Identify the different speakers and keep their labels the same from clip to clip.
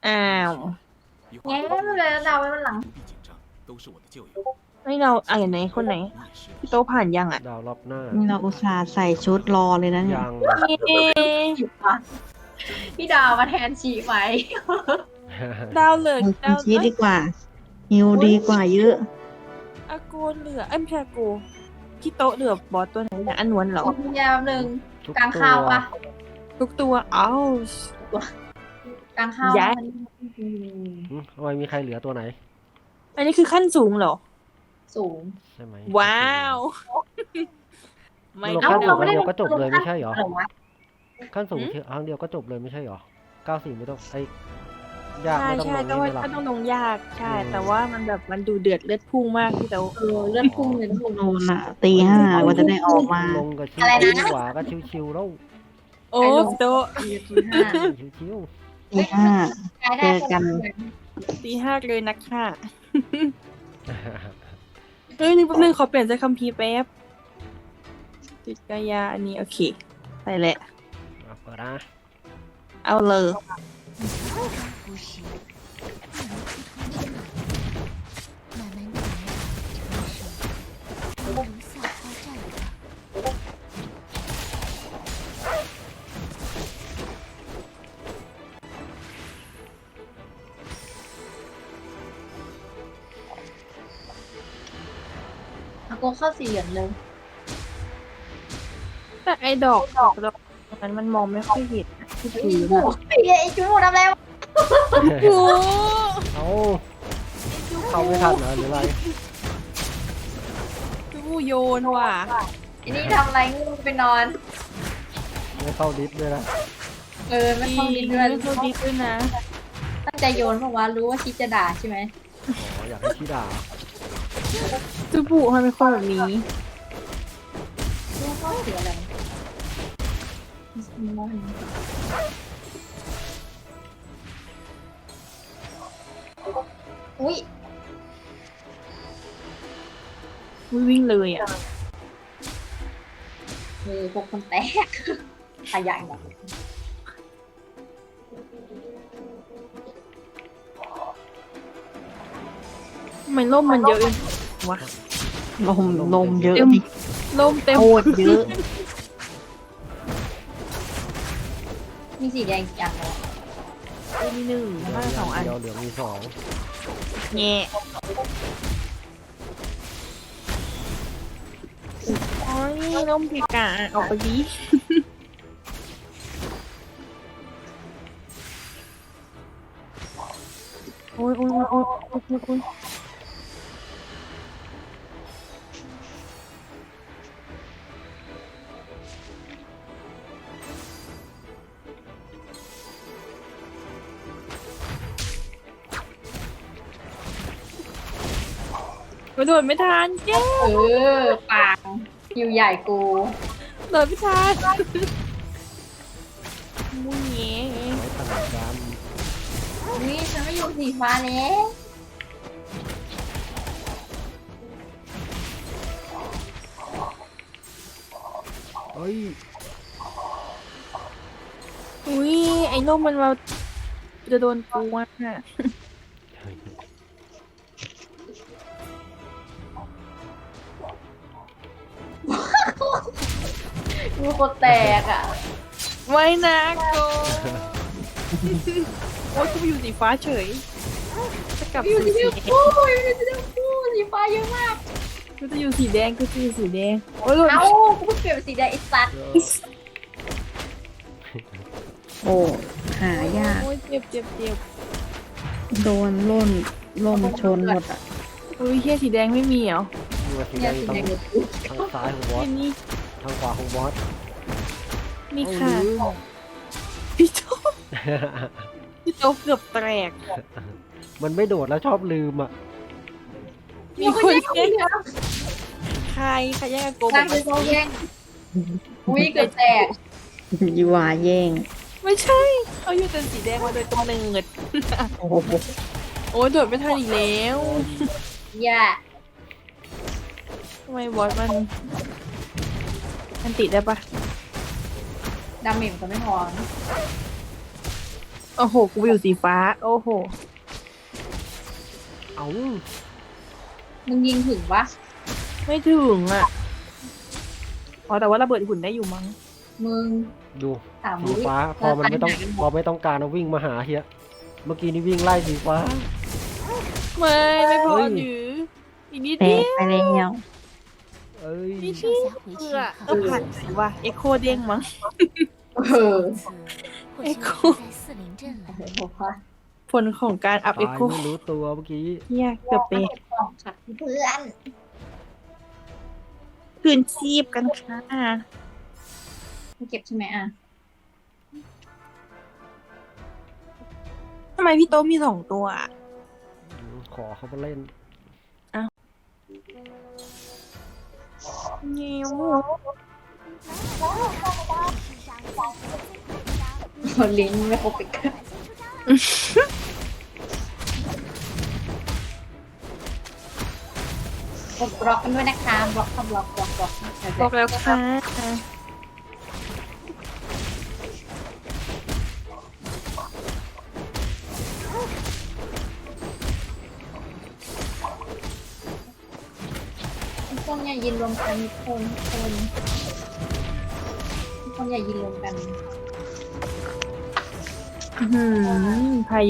Speaker 1: อ้าว
Speaker 2: แง่ไม่เลยเราไว้วันหลัง
Speaker 1: ให้เราอะไรไหนคนไหนพี่โตผ่านยังอ่ะ
Speaker 3: ดาวรอบหน้า
Speaker 4: นี่เราอุตส่าห์ใส่ชุดรอเลยนะเนี่ย
Speaker 3: ยัง
Speaker 1: เอ๊ะ
Speaker 2: พี่ดาวมาแทนชีไหม
Speaker 1: ดาวเหลือ
Speaker 4: คุ
Speaker 1: ดา
Speaker 4: ณ
Speaker 1: ว
Speaker 4: ชี้ดีกว่าฮิวดีกว่าเยอะ
Speaker 1: อากูเหลือไม่ใช่อากูพี่โตเหลือบอสตัวไหนเนี่ยอันนวลเหรอ
Speaker 2: มียามหนึ่ง
Speaker 3: ทุ
Speaker 2: กลางข้าวปะ
Speaker 1: ทุกตัวอ้าว
Speaker 2: กลางข้าว
Speaker 1: ย้าย
Speaker 3: ทำไมมีใครเหลือตัวไหน
Speaker 1: อันนี้คือขั้นสูงเหรอ
Speaker 2: สูง
Speaker 3: ใช่ไหม
Speaker 1: ว้าวไม่
Speaker 3: ลง
Speaker 2: เอ้า
Speaker 3: ขั้นสู
Speaker 2: เรา
Speaker 3: ง
Speaker 2: ไม่
Speaker 3: อัน
Speaker 2: ได้
Speaker 3: เดียวก็จบเลยไม่ใช่เหรอ
Speaker 2: เหรอวะ
Speaker 3: ขั้นสูงครั้งเดียวก็จบเลยไม่ใช่เหรอ94ไม่ต้องยาก
Speaker 1: ใช่
Speaker 3: ไม่ต้อง
Speaker 1: ใช่
Speaker 3: ลง
Speaker 1: แต่
Speaker 3: นี่
Speaker 1: ว่า
Speaker 3: ไม่หลับ
Speaker 1: ก็ต้องลงยากใช่ แต่ว่ามันแบบมันดูเดือดเลือดพุ่งมากพี่โต
Speaker 2: เลื่อนพุ่งเลยนะพุ่ง
Speaker 4: โดนอ่ะตี 5กว่าจะได้ออกมา
Speaker 3: ลงกับชิว
Speaker 2: อะไรนะ
Speaker 3: ขวาก็ชิวๆแล้ว
Speaker 1: โอ้พี่โต
Speaker 3: ชิว
Speaker 4: ตี 5
Speaker 2: กายได้
Speaker 4: เจอกัน
Speaker 1: ตี 5เลยนักค่ะ
Speaker 3: ๆ
Speaker 1: เฮ้ยนี่แป๊บนึงขอเปลี่ยนใจคัมภีร์แป๊บจิตกายาอันนี้โอเคไปแหละ
Speaker 3: เอาเปิดนะ
Speaker 1: เอาเลย
Speaker 2: อากูเข้าสี่เหลี่ยมเลย
Speaker 1: แต่ไอ้ดอกนั้นมันมองไม่ค่อยเห็นนะที่ถือ
Speaker 2: โอ้ยไอ้จูทำอะไรวะ
Speaker 1: โอ้
Speaker 3: เอาเข้าไม่ทันเหรอหรืออะไร
Speaker 1: จูโยนว่ะ
Speaker 2: ไอ้นี่ทำอะไรงูไปนอน
Speaker 3: ไม่เข้าดิสด้วยนะ
Speaker 2: ไม่เข้าดินด้วย
Speaker 1: ไม่เข้าดิสด้วยนะ
Speaker 2: ตั้งใจโยนเพราะว่ารู้ว่าคิดจะด่าใช่ไหม
Speaker 3: อ๋ออยากให้ชี้ด่า
Speaker 1: จูบุทำไมเป็นคนแบบนี้
Speaker 2: รู้ว่าเสียอะไรอุ้ย
Speaker 1: วิ่งเลยอ่ะ
Speaker 2: พวกคนแตกขยันแบบ
Speaker 1: ทำไมร่มมันเยอะอย่างวะ
Speaker 4: ลมเยอะดิ
Speaker 1: ร่มเต็ม
Speaker 4: โคตรเยอะ
Speaker 2: มีสีแดงอย่างเดียว
Speaker 1: มีหนึ่งบ้านสองอัน
Speaker 3: เดียวเหลืองมีสอง
Speaker 1: แง่โอ้ยร่มพิกาออกไปดิโอ้ยโอ้ยโอ้ยโอ้ยโอ้ยกระโดดไม่ทันเย้
Speaker 2: ปางอยู่ใหญ่กู
Speaker 1: โดดไม่ทันมุ้ยแง่
Speaker 3: ไว้ถนัดกัน
Speaker 2: นี่ฉันไม่อยู่สีฟ้าแล้ว
Speaker 3: เฮ้ย
Speaker 1: อุ้ยไอ้ร่มมันมาจะโดนกูอ่ะ
Speaker 2: มีคนแตกอ่ะ
Speaker 1: ไม่นะโกโอ้ยกูไปอยู่สีฟ้าเฉยจะกลับ
Speaker 2: อยู่
Speaker 1: สู่
Speaker 2: ที่
Speaker 1: สี
Speaker 2: เดียวกูอยู่ที่เดียวกูสีฟ้าเยอะมาก
Speaker 1: กูจะอยู่สีแดงกูจะอยู่สีแดงโอ้ยหลุด
Speaker 2: เอ้ากูเพิ่งเปลี่ยนเป็นสีแดงไอ้สัตว์
Speaker 4: โอ้หายาก
Speaker 1: โอ้ยเจ็บเจ็บเจ็บ
Speaker 4: โดนล่มชนหมดอ่ะ
Speaker 1: อุ้ยเฮียสีแดงไม่มีเหรอ
Speaker 3: อยู่กับสี
Speaker 2: เนี่
Speaker 3: แด
Speaker 2: ย
Speaker 3: ง
Speaker 2: สี
Speaker 3: ทาง
Speaker 2: แดงเลย
Speaker 3: ทางซ้ายของบอส
Speaker 1: เห็นนี่
Speaker 3: ทางขวาของบอส
Speaker 1: มีค่ะพี่โตพี่โตเกือบแตก
Speaker 3: มันไม่โดดแล้วชอบลืมอ่ะ
Speaker 1: มีคนแย่งใครแย่งกับโก
Speaker 2: ก
Speaker 1: บ
Speaker 2: ลา
Speaker 1: อง ก
Speaker 2: คือเขาแย่งอุ้ยเกิดแตก
Speaker 4: ยีวาแย่ง
Speaker 1: ไม่ใช่เขาอยู่เป็นสีแดงมาโดยกำเนิด
Speaker 4: โอ้โห
Speaker 1: โอ้ยโดดไม่ทันอีกแล้ว
Speaker 2: อย่า
Speaker 1: ทำไมบอสมันติดได้ปะ
Speaker 2: ดาเมจก็ไม่พอ
Speaker 1: โอ้โห กูอยู่สีฟ้า โอ้โห
Speaker 3: เอา
Speaker 2: มึงยิงถึงปะ
Speaker 1: ไม่ถึงอ่ะ อ๋อ แต่ว่าระเบิดหุ่นได้อยู่มั้ง
Speaker 2: มึง
Speaker 3: ดู
Speaker 2: ถาม
Speaker 3: สีฟ้าพอมันไม่ต้องพอไม่ต้องการเอาวิ่งมาหาเฮียเมื่อกี้นี่วิ่งไล่สีฟ้า
Speaker 1: ไม่พอ
Speaker 3: เฮ้ย
Speaker 1: หรืออีกนิด
Speaker 4: แต
Speaker 1: เดี
Speaker 4: ก
Speaker 1: ยว
Speaker 4: ไปแล้ว
Speaker 3: เอ้ย
Speaker 1: นิดเดียวเพื่อก็ผ่านไปว่ะเอ็กโคเด้งมั้ง
Speaker 2: เออ
Speaker 1: เอ็กโค
Speaker 2: โอ้โหพอ
Speaker 1: ผลของการอัพเอ็ก
Speaker 3: ตาย
Speaker 1: โค
Speaker 3: ไม่รู้ตัวเมื่อกี้
Speaker 1: เฮียเกือบเป๊ะ
Speaker 2: ของขัดเพื่อน
Speaker 1: คืนชีพกันค่ะ
Speaker 2: เก็บใช่ไหมอ่ะ
Speaker 1: ทำไมพี่โต๊ะมี2 ตัวอะ
Speaker 3: ขอเขามาเล่น
Speaker 1: เงี้ยว
Speaker 2: ลิ้นไม่ครบอีกกดบล็อกกันด้วยนะคะบล็อกค่ะบล็อกบล็อกบล็อก
Speaker 1: บอกแล้วค่ะ
Speaker 2: ทุกคนอย่ายินรวมกันทุกคนทุกคนอย่ายินรวมกัน
Speaker 1: อื้อหือพายุ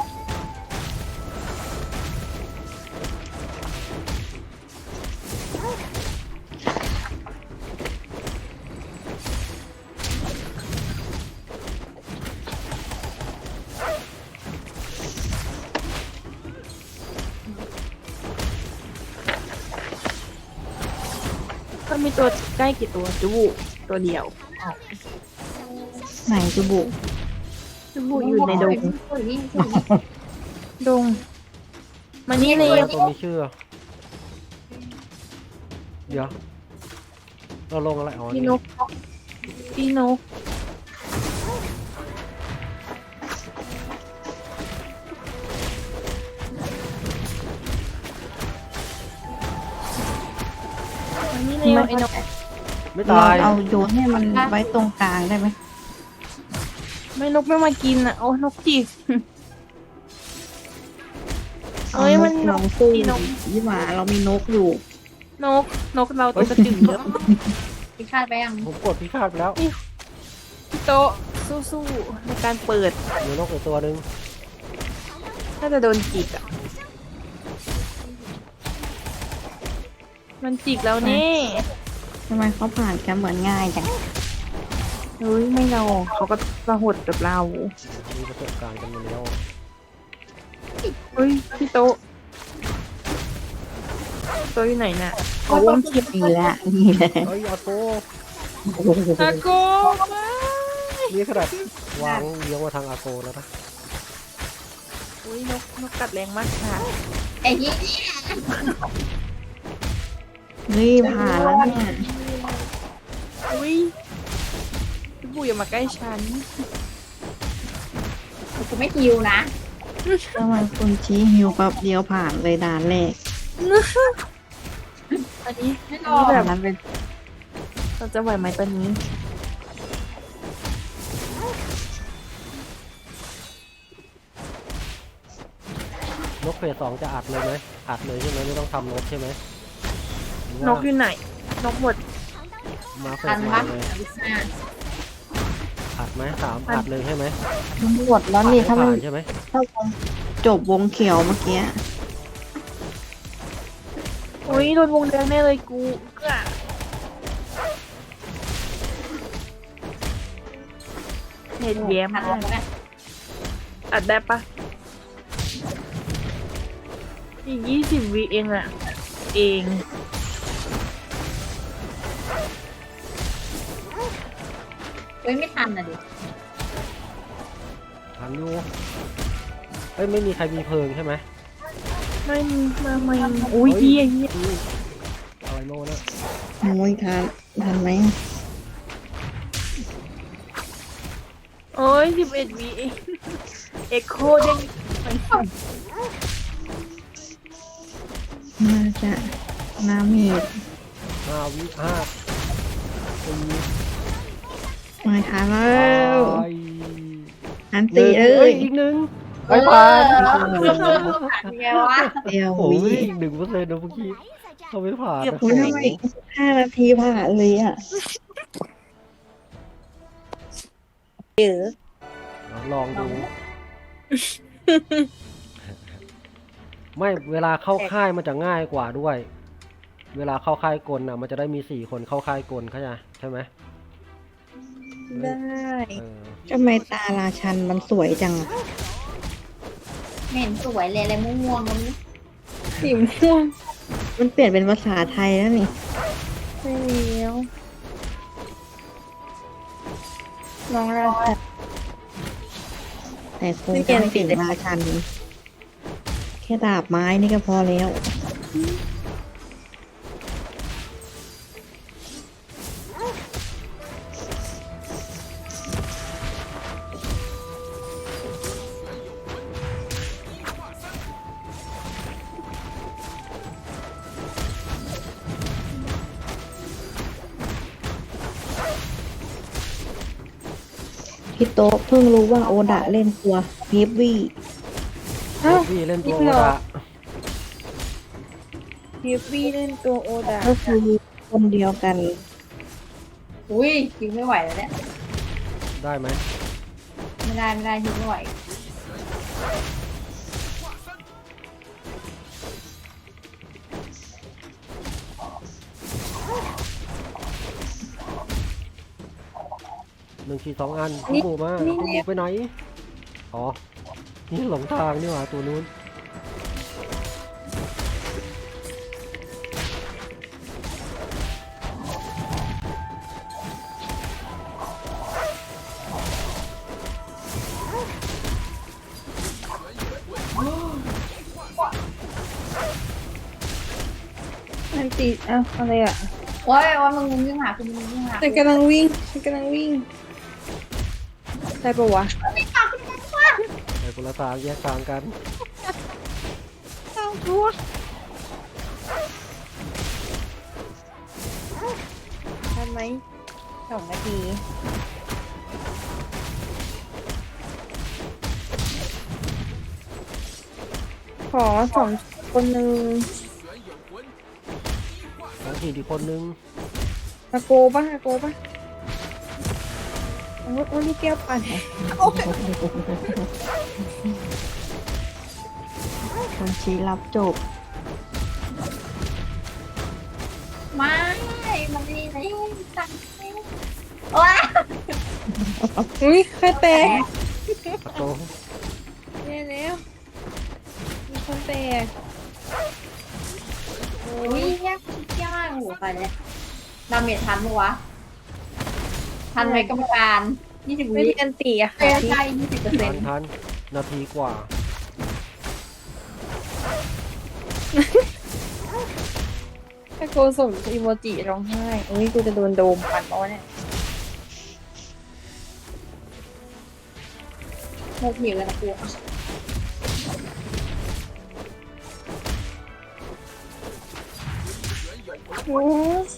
Speaker 1: ก็มีตัวใกล้กี่ตัวจูบุตัวเดียว
Speaker 4: ไหนจะบุ
Speaker 1: จูบุอยู่ในดง
Speaker 2: เฮ้ย
Speaker 1: ดงมานี่เลย
Speaker 3: ตัวมีชื่อ เดี๋ยว เราลงอะไรอ๋อ
Speaker 1: พี่
Speaker 3: นี่
Speaker 1: นกพี่นกมานี่เลยไอ้นก
Speaker 3: ไม่
Speaker 4: เรา
Speaker 3: ตาย
Speaker 4: เอาโยนให้มันไว้ตรงกลางได้ไหม
Speaker 1: ไม่นกไม่มากินอ่ะ โอ้นกจิกเอ้ยมันน
Speaker 4: เรา
Speaker 1: ก
Speaker 4: สู้
Speaker 1: พี่นก
Speaker 4: ยี่หว่าเรามีนกอยู่
Speaker 1: นกเราตัวกระจึงเยอะ
Speaker 2: พิฆาตไปยัง
Speaker 3: ผมกดพิฆาตไปแล้ว
Speaker 1: พี่โต๊ะสู้ๆในการเปิด
Speaker 3: มีนกอีกตัวหนึ่ง
Speaker 1: น่าจะโดนจิกอ่ะ มันจิกแล้วนี่
Speaker 4: ทำไมเขาผ่านกันเหมือนง่ายจัง
Speaker 1: เฮ้ยไม่เราเขาก็ระหดกับเรา
Speaker 3: มีประสบการณ์กันมาแล้ว
Speaker 1: เฮ้ยพี่โต๊ะโต๊ะอยู่ไหนน่ะเขาวงเขียบ
Speaker 4: นี่แหละนี่แหละ
Speaker 3: เฮ้ยอาโก
Speaker 1: อาโกมา
Speaker 3: นี่ขนาดวางเลี้ยงมาทางอาโกแล้วนะ
Speaker 1: อุ้ยนกกัดแรงมากค่ะ
Speaker 2: ไอ้ยี่
Speaker 4: เฮ้ยผ่านแล้วเนี่ย
Speaker 1: อุ้ยพี่บุ๋ยอย่ามาใกล้ฉัน
Speaker 2: กูไม่ฮิวนะ
Speaker 4: ทำไมคุณชี้ฮิวแป๊บเดียวผ่านเลยด่านแรก
Speaker 1: อันนี้
Speaker 2: ไม่ร
Speaker 1: อัน
Speaker 2: อ
Speaker 1: นี้
Speaker 2: แบ
Speaker 1: แบบ บ
Speaker 4: นั้นเป็น
Speaker 1: เราจะไหวไหมตอนนี้
Speaker 3: นกเฟส 2จะอัดเลยไหมอัดเลยใช่ไหมไม่ต้องทำนกใช่ไหมหรือน ว่าก
Speaker 1: อยู่ไหน นกหมด
Speaker 3: มาเฟ
Speaker 2: ทั
Speaker 3: ส
Speaker 2: น
Speaker 3: ห
Speaker 2: ปะ
Speaker 3: นึ่งเลย
Speaker 2: อ่ะ
Speaker 3: อัดไหม3อัดเลยใช่ไหม
Speaker 4: ทั้งหมดแล้วนี่ถ้ามัน
Speaker 3: ผ่านใช่ไหม
Speaker 4: ถ้าวงจบวงเขียวเมื่อกี้
Speaker 1: อุ้ยโดนวงแดงแน่เลยกูเอื้อเน็ตแย้ม
Speaker 2: ทัน
Speaker 1: มาก
Speaker 2: แล้วนะ
Speaker 1: อัดได้ปะอีก20 วิเองอะเอง
Speaker 2: เฮ้ยไม่ทันอ่ะดิ
Speaker 3: ทันอยู่เอ้ยไม่มีใครมีเพลิงใช่ไหม
Speaker 1: ไม่ไม่อุ้ยเฮีย
Speaker 3: อุ้ยอะไรโน่นะ
Speaker 4: โอ้ยทันไหม
Speaker 1: โอ้ย11 วิเองเอ็กโคเด้งไป
Speaker 4: น่าจะน้ำมีด
Speaker 3: 5 วิ5 4
Speaker 4: ไม่ทันแล้ว
Speaker 3: ไป
Speaker 4: อัน
Speaker 3: ห
Speaker 4: ตี
Speaker 3: นึ่ง
Speaker 4: เอ้
Speaker 3: เอ้
Speaker 4: ย
Speaker 3: ยอีกหนึ่งไม่ผ่าน
Speaker 2: ไงวะ
Speaker 4: เดียว
Speaker 3: โอ้
Speaker 4: วิ
Speaker 3: ยอีก1%นะเมื่อกี้เขาไม่ผ่านนะ
Speaker 4: อุ้ยทำไมอีก5 นาทีผ่านเลยอ่ะ
Speaker 3: ลองดู ไม่เวลาเข้าค่ายมันจะง่ายกว่าด้วย เวลาเข้าค่ายกลน่ะ มันจะได้มี4 คนเข้าค่ายกลเข้าใจใช่ไหม
Speaker 1: ได้
Speaker 3: เออ
Speaker 4: ทำไมตาราชันมันสวยจังอะ
Speaker 2: ไม่เห็นสวยเลยอะไรม่วงๆกันนี้
Speaker 1: สีม่วง
Speaker 4: มันเปลี่ยนเป็นภาษาไทยแล้วนี่
Speaker 1: ไม่มีแล้วน้องราชา
Speaker 4: แต่คงจะไม่เปลี่ยนราชัน แค่ดาบไม้นี่ก็พอแล้ว พี่โต๊ะเพิ่งรู้ว่าโอดะเล่นตัวเฮฟวี่
Speaker 3: เฮฟวี่เล่นตัวโอดะ
Speaker 1: เฮฟวี่เล่นตัวโอดา
Speaker 4: ก็คือคนเดียวกัน
Speaker 2: อุ้ยยิงไม่ไหวแล้วเนี่ย
Speaker 3: ได้ไหม
Speaker 2: ไม่ได้ยิงไม่ไหว
Speaker 3: 1 4 2 อันคุณหมูมาคุณหมูไปไหน อ๋อ นี่หลงทางนี่หว่าตัวนู้น
Speaker 1: อันตีอ้าวอะไรอ่ะ
Speaker 2: โอ้ยว่ามึงวิ่งหาคุณมึงวิ่งหา
Speaker 1: ฉันกำลังวิ่งได้ปะวะ
Speaker 3: ไปคนละทางแยกทางกัน
Speaker 1: เอาตัว ทันไหม2 นาที ขอ2 คนหนึ่ง
Speaker 3: แล้วทีอีกคนนึง
Speaker 1: อาโกป่ะโอ้นี่แก้วปั่น
Speaker 4: คนชี้รับจบ
Speaker 2: ไม่มันนี่ไหนสั่งว้า
Speaker 1: อุ้ยใครแตก
Speaker 3: ตะโต
Speaker 1: แน่แล้วมีคนแตก
Speaker 2: อุ้ยยากชิดยากโอ้โหไปเลยดาเมจทันปะวะ ทันไหมกรรมการ20
Speaker 1: ไม่
Speaker 2: วิ
Speaker 1: ได้อันตีอะ
Speaker 2: เอ้
Speaker 1: ค่ะ
Speaker 2: ยใช่20%
Speaker 3: ทันนาทีกว่า
Speaker 1: ถ้าโกส่งอีโมจิร้องไห้อุ้ยกูจะโดนโดมปั่นเอาเนี่ย
Speaker 2: โมกหิวแล้วนะกู
Speaker 1: โอ้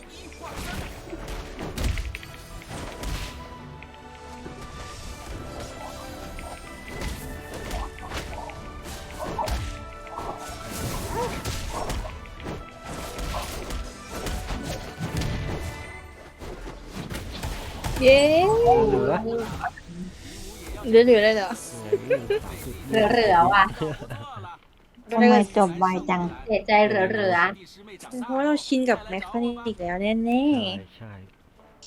Speaker 1: เย้
Speaker 3: เหลือ
Speaker 1: เหลือเลยเหรอ
Speaker 2: เหลือๆว่ะ
Speaker 4: ทำไมจบไวจัง
Speaker 2: เสียใจเหลือ
Speaker 1: เพราะว่าเราชินกับแมคคานิกแล้วแน่
Speaker 3: ใช่